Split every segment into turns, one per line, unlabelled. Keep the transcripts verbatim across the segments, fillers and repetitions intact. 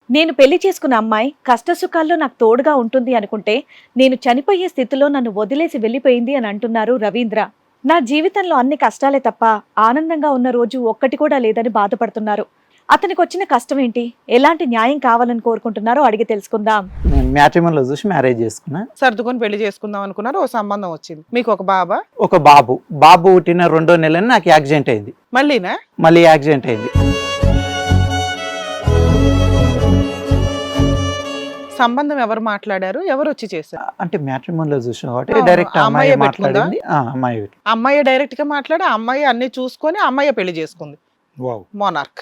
నేను పెళ్లి చేసుకున్న అమ్మాయి కష్టసుఖాల్లో నాకు తోడుగా ఉంటుంది అనుకుంటే నేను చనిపోయే స్థితిలో నన్ను వదిలేసి వెళ్ళిపోయింది అని అంటున్నారు రవీంద్ర. నా జీవితంలో అన్ని కష్టాలే తప్ప ఆనందంగా ఉన్న రోజు ఒక్కటి కూడా లేదని బాధపడుతున్నారు. అతనికి వచ్చిన కష్టం ఏంటి, ఎలాంటి న్యాయం కావాలని కోరుకుంటున్నారో అడిగి తెలుసుకుందాం.
నేను మ్యాట్రిమోనీలో చూసి మ్యారేజ్ చేసుకున్నా.
సర్దుకొని పెళ్లి చేసుకుందాం అనుకున్నారు, ఓ సంబంధం వచ్చింది. మీకు ఒక బాబా?
ఒక బాబు. బాబు పుట్టిన రెండో నెలని నాకు యాక్సిడెంట్ అయింది.
మళ్ళీనా?
మళ్ళీ యాక్సిడెంట్ అయింది.
సంబంధం ఎవరు మాట్లాడారు, ఎవరు వచ్చి చేశారు?
అంటే మ్యాట్రిమోనీలో చూసిన కాబట్టి
ఆ,
డైరెక్ట్
ఆ
అమ్మాయి
అమ్మాయే
మాట్లాడింది. ఆ, అమ్మాయి పెట్టుకుంది.
అమ్మాయి డైరెక్ట్ గా మాట్లాడి ఆ అమ్మాయి అన్ని చూసుకొని అమ్మాయి పెళ్లి చేసుకుంది.
వావ్.
మోనార్క్.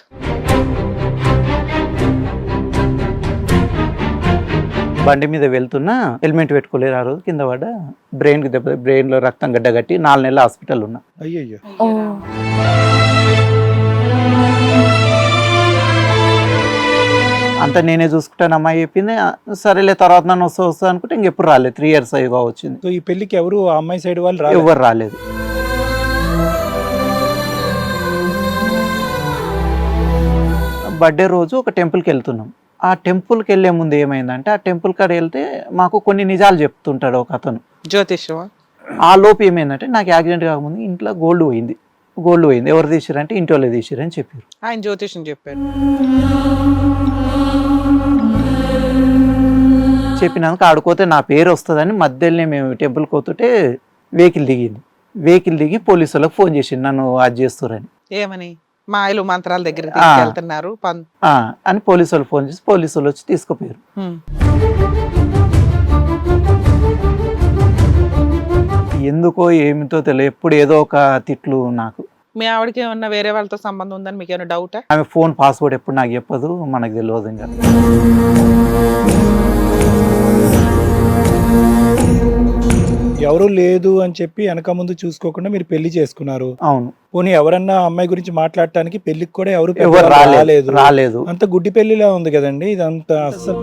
బండి మీద వెళ్తున్నా హెల్మెట్ పెట్టుకోలేరు. ఆ రోజు కింద పడ్డ, బ్రెయిన్ కి దెబ్బ, బ్రెయిన్ లో రక్తం గడ్డ కట్టి నాలుగు నెలలు హాస్పిటల్ ఉన్నా.
అయ్యయ్యో.
అంతా నేనే చూసుకుంటాను అమ్మాయి చెప్పింది. ఆ, సరేలే తర్వాత నన్ను వస్తా వస్తా అనుకుంటే ఇంకెప్పుడు రాలేదు. త్రీ ఇయర్స్ అయ్యగా వచ్చింది.
సో ఈ పెళ్లికి ఎవరు ఆ అమ్మాయి సైడ్ వాళ్ళు రాలేదు?
ఎవరు రాలేదు. బర్త్డే రోజు ఒక టెంపుల్కి వెళ్తున్నాం. ఆ టెంపుల్కి వెళ్ళే ముందు ఏమైందంటే, ఆ టెంపుల్ కాడ వెళ్తే మాకు కొన్ని నిజాలు చెప్తుంటాడు ఒక అతను.
జ్యోతిష్యం.
ఆ లోపు ఏమైందంటే, నాకు యాక్సిడెంట్ కాకముందు ఇంట్లో గోల్డ్ పోయింది. గోల్డ్ పోయింది. ఎవరు తీసిరంటే ఇంటి వాళ్ళే తీసిరని చెప్పారు.
ఆయన జ్యోతిష్యం చెప్పారు.
చెప్పినాక ఆడుకోతే నా పేరు వస్తుందని మధ్యలోనే మేము టెంపుల్కి పోతుంటే వెహికల్ దిగింది. వెహికల్ దిగి పోలీసు వాళ్ళకి ఫోన్ చేసింది నన్ను అది చేస్తారని.
ఏమని? మాయలు మంత్రాల దగ్గర తీసుకెళ్తున్నారు పన్-
ఆ, అని పోలీసు వాళ్ళు ఫోన్ చేసి పోలీసు వాళ్ళు వచ్చి తీసుకుపోయారు.
హ్మ్.
ఎందుకో ఏమిటో తెలియదు, ఎప్పుడు ఏదో ఒక తిట్లు నాకు.
మీ ఆవిడకి ఏమన్నా వేరే వాళ్ళతో సంబంధం ఉందని మీకు ఏమైనా డౌటా?
ఆమె ఫోన్ పాస్వర్డ్ ఎప్పుడు నాకు చెప్పదు, మనకు తెలియదు. ఇంకా
ఎవరు లేదు అని చెప్పి వెనక ముందు చూసుకోకుండా మీరు పెళ్లి చేసుకున్నారు.
అవును.
పోనీ ఎవరన్నా అమ్మాయి గురించి మాట్లాడటానికి పెళ్లికి కూడా ఎవరు
ఎవరు
పెద్దవాళ్ళు
రాలేదు
రాలేదు.
రాలేదు
అంత గుడ్డి పెళ్లిలా ఉంది కదండి ఇదంతా. అసలు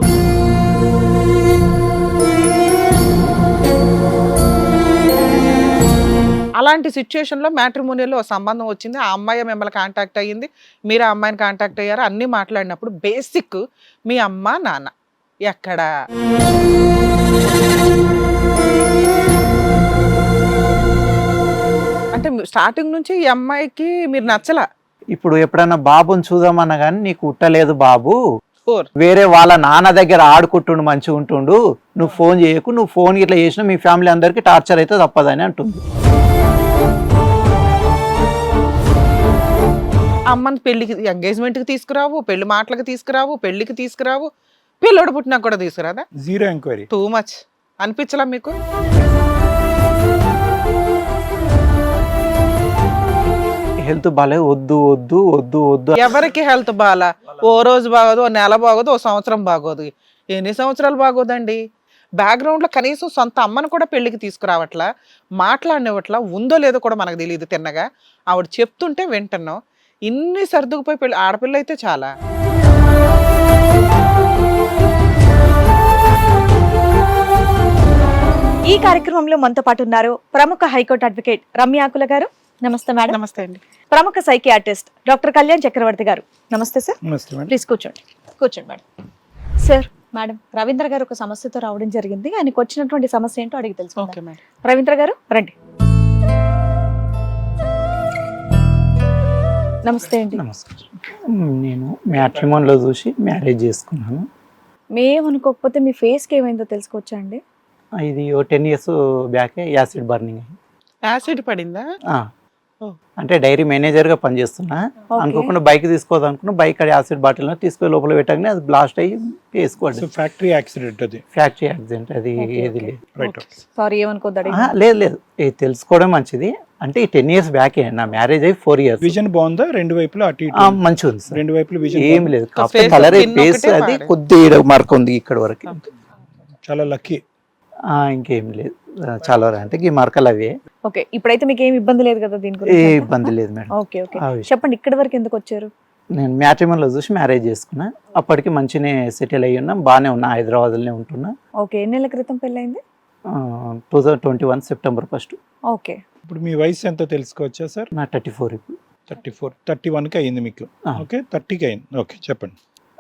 అలాంటి సిచ్యుయేషన్ లో మ్యాట్రిమోనియల్లో సంబంధం వచ్చింది, ఆ అమ్మాయి మిమ్మల్ని కాంటాక్ట్ అయ్యింది, మీరు ఆ అమ్మాయిని కాంటాక్ట్ అయ్యారు, అన్ని మాట్లాడినప్పుడు బేసిక్ మీ అమ్మ నాన్న ఎక్కడ? అంటే స్టార్టింగ్ నుంచి ఈ అమ్మాయికి మీరు నచ్చలా?
ఇప్పుడు ఎప్పుడన్నా బాబుని చూద్దామన్నా కానీ, నీకు ఉట్టలేదు బాబు,
ఫోర్
వేరే వాళ్ళ నాన్న దగ్గర ఆడుకుంటుండు మంచిగా ఉంటుండు, నువ్వు ఫోన్ చేయకు, నువ్వు ఫోన్ ఇట్లా చేసినా మీ ఫ్యామిలీ అందరికి టార్చర్ అయితే తప్పదని అంటుంది.
అమ్మని పెళ్లికి ఎంగేజ్మెంట్కి తీసుకురావు, పెళ్లి మాటలకు తీసుకురావు, పెళ్లికి తీసుకురావు, పిల్లోడు పుట్టినా కూడా తీసుకురాదా?
Zero inquiry.
టూ మచ్ అనిపించలా మీకు?
హెల్త్ బాలే, వద్దు వద్దు వద్దు వద్దు.
ఎవరికి హెల్త్ బాగా? ఓ రోజు బాగోదు, ఓ నెల బాగోదు, ఓ సంవత్సరం బాగోదు. ఎన్ని సంవత్సరాలు బాగోదండి? బ్యాక్గ్రౌండ్లో కనీసం సొంత అమ్మను కూడా పెళ్లికి తీసుకురావట్లా, మాట్లాడినవట్లా, ఉందో లేదో కూడా మనకు తెలియదు. తిన్నగా ఆవిడ చెప్తుంటే వింటున్నాం. ఇన్ని సర్దుకుపోయి పెళ్లి ఆడపిల్ల అయితే చాలా.
ఈ కార్యక్రమంలో మనతో పాటు ఉన్నారు ప్రముఖ హైకోర్టు అడ్వకేట్ రమ్యాకుల గారు. నమస్తే మేడం.
నమస్తే అండి.
ప్రముఖ సైకియాట్రిస్ట్ డాక్టర్ కళ్యాణ్ చక్రవర్తి గారు. నమస్తే సార్.
నమస్తే మేడం.
ప్లీజ్ కూర్చోండి. కూర్చోండి మేడం. సార్, మేడం రవీంద్ర గారు ఒక సమస్యతో రావడం జరిగింది. ఆయనకు వచ్చినటువంటి సమస్య ఏంటో అడిగి తెలుసుకుందాం.
Okay madam.
రవీంద్ర గారు రండి. నమస్తే అండి.
నమస్కారం. నేను మ్యాట్రిమోనీలో చూసి మ్యారేజ్ చేసుకున్నాను.
మేము అనుకోకపోతే మీ ఫేస్కి ఏమైందో తెలుసుకోవచ్చా అండి?
ఇది ఓ టెన్ ఇయర్స్ బ్యాకే యాసిడ్ బర్నింగ్ అయింది.
యాసిడ్ పడిందా?
ఆ,
ఓ.
అంటే డైరీ మేనేజర్గా పనిచేస్తున్నా.
ఓకే.
అనుకోకుండా బైక్ తీసుకోవద్దు అనుకున్నా, బైక్ అది యాసిడ్ బాటిల్ తీసుకొని లోపల పెట్టగానే అది బ్లాస్ట్ అయ్యి వేసుకోండి.
సో ఫ్యాక్టరీ యాక్సిడెంట్ అది.
ఫ్యాక్టరీ యాక్సిడెంట్ అది.
ఓకే,
ఏది
ఓకే.
లేదు.
రైట్.
సారీ, ఏమనుకోద్దు అడిగి.
ఆహా, లేదు లేదు, ఇది తెలుసుకోవడం మంచిది. అంటే ఈ టెన్ ఇయర్స్ బ్యాకే నా మ్యారేజ్ అయ్యి ఫోర్ ఇయర్స్.
విజన్ బాగుందా రెండు వైపులా? అటు ఇటు
మంచిగా ఉంది సార్.
రెండు వైపులు విజన్
ఏం లేదు, కాకపోతే
face
కలర్
pin
ఫేస్
ఒకటే
అది
వాడే.
కొద్దిగా మార్క్ ఉంది ఇక్కడ వరకు.
చాలా లక్కీ.
ఆ, ఇంకేం లేదు, చాలా వరకు అంటే ఈ మార్కలు అవే.
ఓకే, ఇప్పుడైతే మీకు ఏమి ఇబ్బంది లేదు కదా దీని
ఏ
గురించి?
ఇబ్బంది లేదు మేడం.
ఓకే ఓకే,
ఆ విషయం.
చెప్పండి ఇక్కడి వరకు ఎందుకు వచ్చారు?
నేను మ్యాట్రిమోనీలో చూసి మ్యారేజ్ చేసుకున్నా. అప్పటికి మంచిగానే సెటిల్ అయ్యి ఉన్నా, బాగానే ఉన్నా, హైదరాబాద్లోనే ఉంటున్నా.
ఓకే, ఎన్ని నెలల క్రితం పెళ్ళైంది?
Two thousand twenty one September first.
Okay.
ఇప్పుడు మీ వయసు ఎంతో తెలుసుకోవచ్చా సార్?
నా థర్టీ ఫోర్ ఇప్పుడు.
థర్టీ ఫోర్ థర్టీ వన్కి అయింది మీకు.
ఆ.
ఓకే, థర్టీకి అయింది. ఓకే, చెప్పండి.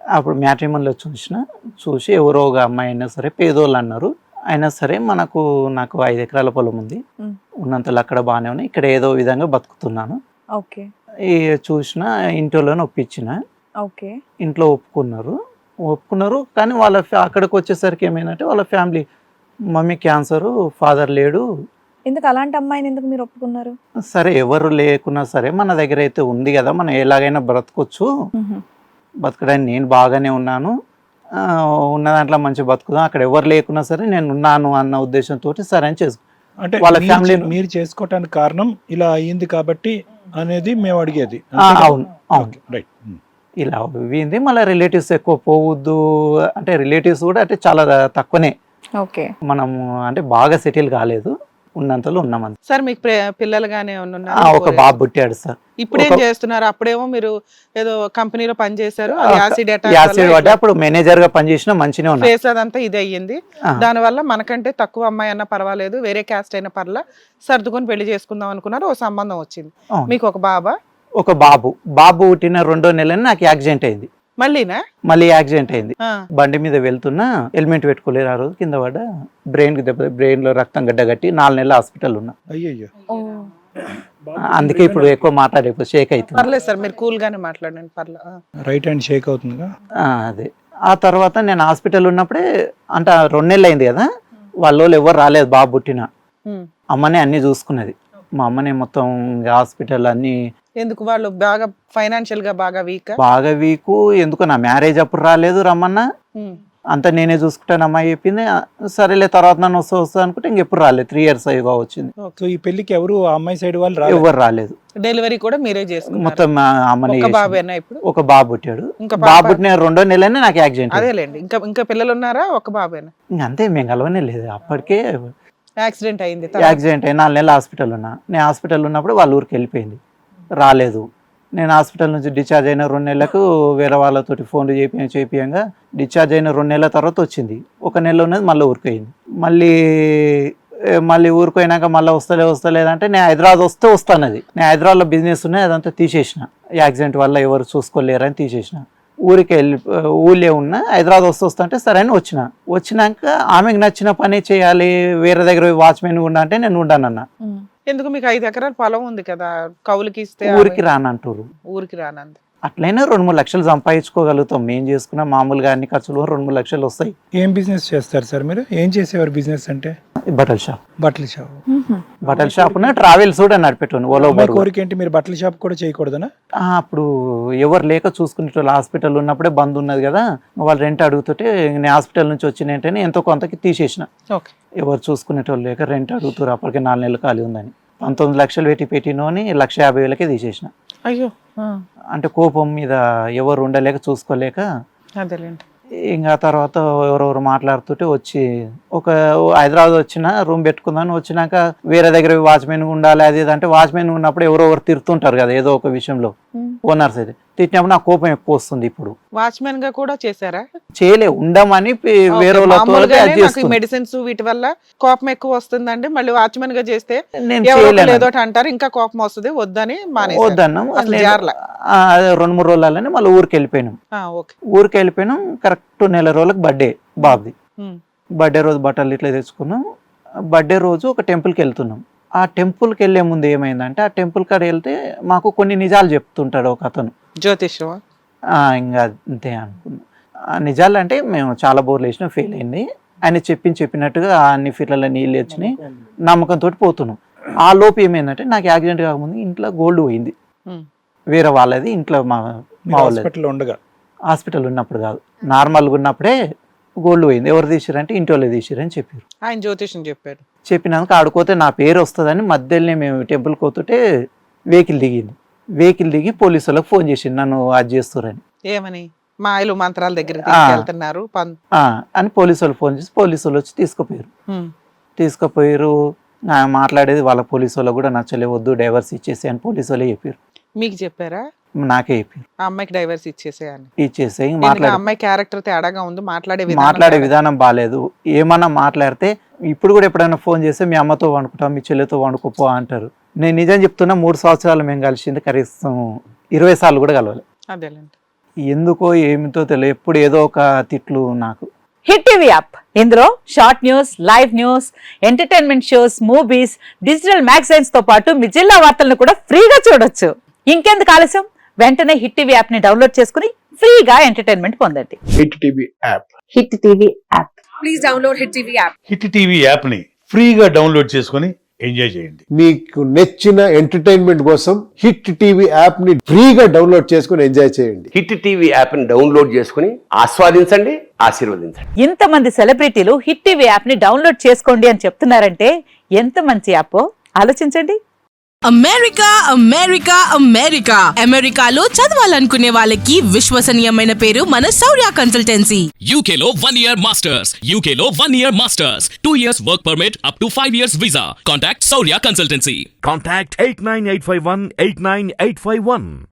అప్పుడు మ్యాట్రిమోనీలో చూసిన చూసి ఎవరో ఒక అమ్మాయి అయినా సరే పేదోళ్ళు అన్నారు. అయినా సరే మనకు నాకు ఐదు ఎకరాల పొలం ఉంది,
మ్.
ఉన్నంతలో అక్కడ బాగానే ఉన్నాయి, ఇక్కడ ఏదో విధంగా బతుకుతున్నాను.
ఓకే
ఈ చూసిన ఇంట్లోనే ఒప్పించిన,
ఓకే
ఇంట్లో ఒప్పుకున్నారు ఒప్పుకున్నారు కానీ వాళ్ళ ఫ్యా- అక్కడికి వచ్చేసరికి ఏమైందంటే వాళ్ళ ఫ్యామిలీ మమ్మీ క్యాన్సరు, ఫాదర్ లేడు.
ఎందుకు అలాంటి అమ్మాయిని ఎందుకు మీరు ఒప్పుకున్నారు?
సరే ఎవరు లేకున్నా సరే మన దగ్గర అయితే ఉంది కదా, మనం ఎలాగైనా బ్రతకొచ్చు, బతకడానికి నేను బాగానే ఉన్నాను, ఆ, ఉన్న దాంట్లో మంచి బతుకుదాం, అక్కడ ఎవరు లేకున్నా సరే నేను ఉన్నాను అన్న ఉద్దేశంతో సరే అని చేసుకో.
అంటే
వాళ్ళ
మీరు
ఫ్యామిలీ
చే- మీరు చేసుకోవటానికి కారణం ఇలా అయ్యింది కాబట్టి అనేది మేము అడిగేది.
ఆ, అవును అవును
రైట్.
ఇలా అయింది. మళ్ళీ రిలేటివ్స్ ఎక్కువ పోవద్దు అంటే రిలేటివ్స్ కూడా అంటే చాలా తక్కువనే,
ఓకే
మనము అంటే బాగా సెటిల్ కాలేదు, ఉన్నంతలో ఉన్నామంత.
సార్ మీకు ప్రే- పిల్లలు గానే
ఆ,
ఉన్నారా?
ఒక బాబు పుట్టాడు సార్.
ఇప్పుడు ఏం
ఒక-
చేస్తున్నారు? అప్పుడేమో మీరు ఏదో కంపెనీలో పని చేశారు,
ఆ,
యాసిడ్
యాసిడ్ పడ్డా అప్పుడు మేనేజర్ గా పనిచేసిన మంచినే ఉన్నా.
ఫేస్ అదంతా ఇది అయ్యింది.
ఆ.
దానివల్ల మనకంటే తక్కువ అమ్మాయి అన్నా పర్వాలేదు, వేరే క్యాస్ట్ అయినా పర్లా, సర్దుకొని పెళ్లి చేసుకుందాం అనుకున్నారు, ఓ సంబంధం వచ్చింది.
అవును.
మీకు ఒక బాబా?
ఒక బాబు బాబు పుట్టిన రెండో నెలని నాకు యాక్సిడెంట్ అయింది.
మళ్ళీనా?
మళ్ళీ యాక్సిడెంట్ అయింది.
ఆ.
బండి మీద వెళ్తున్నా హెల్మెట్ పెట్టుకోలేరు, ఆ రోజు కింద పడ్డ, బ్రెయిన్ కి దెబ్బ, బ్రెయిన్ లో రక్తం గడ్డగట్టి నాలుగు నెలలు హాస్పిటల్ ఉన్నా.
అయ్యయ్యో.
అందుకే ఇప్పుడు ఎక్కువ మాట్లాడే షేక్ అవుతుంది.
పర్లేదు సార్, మీరు కూల్ గానే మాట్లాడండి, పర్లే. ఆ.
రైట్ హ్యాండ్ షేక్ అవుతుందిగా.
ఆ, అదే ఆ తర్వాత నేను హాస్పిటల్ ఉన్నప్పుడే అంటే ఆ రెండు నెలలు అయింది కదా, వాళ్ళ వాళ్ళు ఎవరు రాలేదు బాబు పుట్టిన.
ఉమ్.
అమ్మనే అన్ని చూసుకున్నది, మా అమ్మనే మొత్తం హాస్పిటల్ అన్ని.
ఎందుకు వాళ్ళు బాగా ఫైనాన్షియల్ గా బాగా వీక్?
బాగా వీకు, ఎందుకు నా మ్యారేజ్ అప్పుడు రాలేదు రమ్మన్నా, అంతా నేనే చూసుకుంటాను అమ్మాయి చెప్పింది. ఆ, సరేలే తర్వాత నన్ను వస్తా వస్తా అనుకుంటే ఇంకెప్పుడు రాలేదు, త్రీ ఇయర్స్ అయ్యగా వచ్చింది,
సో ఈ పెళ్లికి ఎవరు ఆ అమ్మాయి సైడ్ వాళ్ళు రాలేదు.
ఎవరు రాలేదు.
డెలివరీ కూడా మీరే చేసుకున్నారు?
మొత్తం మా అమ్మనే
ఒక
చేసింది.
బాబేనా ఇప్పుడు?
ఒక బాబు పుట్టాడు.
ఇంకా
బాబు
పాప?
పుట్టిన రెండో నెలనే నాకు యాక్సిడెంట్ అయింది.
అదేలేండి. ఇంకా ఇంకా పిల్లలు ఉన్నారా? ఒక బాబేనా?
ఇంక అంతే, మేము కలవనే లేదు అప్పటికే.
యాక్సిడెంట్ అయింది తర్వాత?
యాక్సిడెంట్ అయ్యి నాలుగు నెలలు హాస్పిటల్ ఉన్నా. నేను హాస్పిటల్ ఉన్నప్పుడు వాళ్ళ ఊరికి వెళ్ళిపోయింది, రాలేదు. నేను హాస్పిటల్ నుంచి డిశ్చార్జ్ అయిన రెండు నెలలకు వేరే వాళ్ళతోటి ఫోన్లు చేపి చేపియంగా డిశ్చార్జ్ అయిన రెండు నెలల తర్వాత వచ్చింది. ఒక నెల ఉన్నది మళ్ళీ ఊరికి పోయింది. మళ్ళీ ఏ, మళ్ళీ ఊరికి పోయినాక మళ్ళీ వస్తలే వస్తలేదంటే నేను హైదరాబాద్ వస్తే వస్తానది. నేను హైదరాబాద్లో బిజినెస్ ఉన్నాయి, అదంతా తీసేసిన, యాక్సిడెంట్ వల్ల ఎవరు చూసుకోలేరని తీసేసిన. ఊరికి వెళ్ళి ఊళ్ళే ఉన్నా, హైదరాబాద్ వస్తూ వస్తా అంటే సరే అని వచ్చిన. వచ్చినాక ఆమెకు నచ్చిన పని చేయాలి, వేరే దగ్గర వాచ్మెన్ ఉండా అంటే నేను ఉండానన్నా.
ఎందుకు? మీకు ఐదు ఎకరాల పొలం ఉంది కదా, కౌలుకి ఇస్తే
ఊరికి రానంటారు.
ఊరికి రానంది.
అట్లయినా రెండు మూడు లక్షలు సంపాదించుకోగలుగుతాం, మేము చేసుకున్న మామూలుగా అన్ని ఖర్చులు రెండు మూడు లక్షలు వస్తాయి.
ఏం బిజినెస్ చేస్తారు సార్ మీరు? ఏం చేసేవారు బిజినెస్ అంటే?
బట్టల షాప్.
బట్టల షాప్.
బట్టల షాప్ ట్రావెల్స్ కూడా నడిపెట్టాను ఓలో
అమ్మాయి
బరువు.
కోరిక ఏంటి, మీరు బట్టల షాప్ కూడా చేయకూడదనా?
ఆ, అప్పుడు ఎవరు లేక చూసుకునేటోళ్ళు, హాస్పిటల్ ఉన్నప్పుడే బంద్ ఉన్నది కదా, వాళ్ళు రెంట్ అడుగుతుంటే నేను హాస్పిటల్ నుంచి వచ్చిన వెంటనే ఎంతో కొంతకి తీసేసిన.
ఓకే.
ఎవరు చూసుకునేటోళ్ళు లేక రెంట్ అడుగుతారు, అప్పటికే నాలుగు నెలలు ఖాళీ ఉందని పంతొమ్మిది లక్షలు పెట్టి పెట్టినోని లక్ష యాభై వేలకే తీసేసిన.
అయ్యో. ఆ.
అంటే కోపం మీద ఎవరు ఉండలేక చూసుకోలేక.
అదేలేండి.
ఇంకా తర్వాత ఎవరెవరు మాట్లాడుతుంటే వచ్చి ఒక హైదరాబాద్ వచ్చిన రూమ్ పెట్టుకుందాని వచ్చినాక వేరే దగ్గర వాచ్మెన్ ఉండాలి అది ఇది అంటే వాచ్మెన్ ఉన్నప్పుడు ఎవరో ఒకరు తిరుతుంటారు కదా ఏదో ఒక విషయంలో, ఓనర్స్ అయితే తిట్టినప్పుడు నాకు కోపం ఎక్కువ వస్తుంది. ఇప్పుడు
వాచ్మెన్ గా కూడా చేశారా?
చేయలే, ఉండమని పి- వేరే వాళ్ళతో అది చేస్తుంది.
మెడిసిన్స్ వీటి వల్ల కోపం ఎక్కువ వస్తుందండి. మళ్ళీ వాచ్మెన్ గా చేస్తే
నేను
ఎవరో ఒకరు
చేయలేను,
ఏదో ఒకటి అంటారు, ఇంకా కోపం వస్తుంది, వద్దని మానేశారు.
వద్దన్నాం.
అసలు
నేను-
జారలా?
ఆ, అదే రెండు మూడు రోజులనే మళ్ళీ ఊరికి వెళ్ళిపోయినాం.
ఆ, ఓకే.
ఊరికి వెళ్ళిపోయినాం కరెక్ట్ నెల రోజులకు బర్త్డే బాబుది.
ఉమ్.
బర్త్డే రోజు బట్టలు ఇట్లా తెచ్చుకున్నాం. బర్త్డే రోజు ఒక టెంపుల్కి వెళ్తున్నాం. ఆ టెంపుల్కి వెళ్ళే ముందు ఏమైందంటే ఆ టెంపుల్ కాడ వెళ్తే మాకు కొన్ని నిజాలు చెప్తుంటాడు ఒక అతను.
జ్యోతిష్యమా?
ఆ, ఇంకా అంతే అనుకున్నాం. ఆ నిజాలు అంటే మేము చాలా బోర్లు వేసినా ఫెయిల్ అయింది. ఆయన చెప్పింది చెప్పినట్టుగా అన్ని ఫీట్లలో నీళ్ళు వచ్చినాయి, నమ్మకంతో పోతున్నాం. ఆ లోపు ఏమైందంటే నాకు యాక్సిడెంట్ కాకముందు ఇంట్లో గోల్డ్ పోయింది,
ఉమ్.
వేరే వాళ్ళది ఇంట్లో, మా మా వాళ్ళది.
హాస్పిటల్ ఉండగా?
హాస్పిటల్ ఉన్నప్పుడు కాదు, నార్మల్గా ఉన్నప్పుడే గోల్డ్ పోయింది. ఎవరు తీసిరంటే ఇంటి వాళ్ళే తీసిరని చెప్పారు.
ఆయన జ్యోతిష్యం చెప్పారు.
చెప్పినాక ఆడుకోతే నా పేరు వస్తుందని మధ్యలోనే మేము టెంపుల్కి పోతుంటే వెహికల్ దిగింది. వెహికల్ దిగి పోలీసు వాళ్ళకి ఫోన్ చేసింది నన్ను అది చేస్తారని.
ఏమని? మాయలు మంత్రాల దగ్గర
ఆ.
తీసుకెళ్తున్నారు పన్-
ఆ, అని పోలీసు వాళ్ళు ఫోన్ చేసి పోలీసు వాళ్ళు వచ్చి తీసుకుపోయారు.
ఉమ్.
తీసుకుపోయారు. ఆ, మాట్లాడేది వాళ్ళ పోలీసు వాళ్ళు కూడా నచ్చలే, వద్దు డైవర్స్ ఇచ్చేసి అని పోలీసు వాళ్ళే చెప్పారు.
మీకు చెప్పారా?
నాకే చెప్పారు
ఆ అమ్మాయికి డైవర్స్ ఇచ్చేసేయని.
ఇచ్చేసి.
ఎందుకంటే
మాట్లాడే
అమ్మాయి క్యారెక్టర్ తేడాగా ఉంది, మాట్లాడే విధానం
మాట్లాడే
తేడా.
విధానం బాగాలేదు. ఏమన్నా మాట్లాడితే ఇప్పుడు కూడా ఎప్పుడైనా ఫోన్ చేస్తే మీ అమ్మతో వండుకుంటాం, మీ చెల్లితో వండుకోపో అంటారు. నేను నిజం చెప్తున్నా, మూడు సంవత్సరాలు మేము కలిసింది కనీసం ఇరవై సార్లు కూడా కలవాలి.
అదేలేండి.
ఎందుకో ఏమితో తెలియదు, ఎప్పుడు ఏదో ఒక తిట్లు నాకు.
హిట్ టీవీ యాప్ ఇందులో short news, live news, entertainment shows, movies, digital magazines తో పాటు మీ జిల్లా వార్తలను కూడా ఫ్రీగా చూడొచ్చు. ఇంకెందుకు ఆలస్యం, వెంటనే హిట్ టీవీ యాప్ ని డౌన్లోడ్ చేసుకుని ఫ్రీగా ఎంటర్టైన్మెంట్ పొందండి.
Hit TV app
hit TV app
please download hit TV app.
Hit TV యాప్ని ఫ్రీగా డౌన్లోడ్ చేసుకొని ఎంజాయ్ చేయండి.
మీకు నచ్చిన ఎంటర్టైన్మెంట్ కోసం హిట్ టీవీ యాప్ ని ఫ్రీగా డౌన్లోడ్ చేసుకుని ఎంజాయ్ చేయండి.
హిట్ టీవీ యాప్ని డౌన్లోడ్ చేసుకుని ఆస్వాదించండి, ఆశీర్వదించండి.
ఇంతమంది సెలబ్రిటీలు హిట్ టీవీ యాప్ ని డౌన్లోడ్ చేసుకోండి అని చెప్తున్నారంటే ఎంత మంచి యాప్ ఆలోచించండి.
అమెరికా అమెరికా అమెరికా అమెరికాలో చదవాలనుకునే వాళ్ళకి విశ్వసనీయమైన పేరు మన శౌర్య కన్సల్టెన్సీ.
యూకేలో వన్ ఇయర్ మాస్టర్స్, యూకేలో one year masters, two years work permit, up to five years visa. Contact Shaurya consultancy.
Contact eight nine eight five one eight nine eight five one.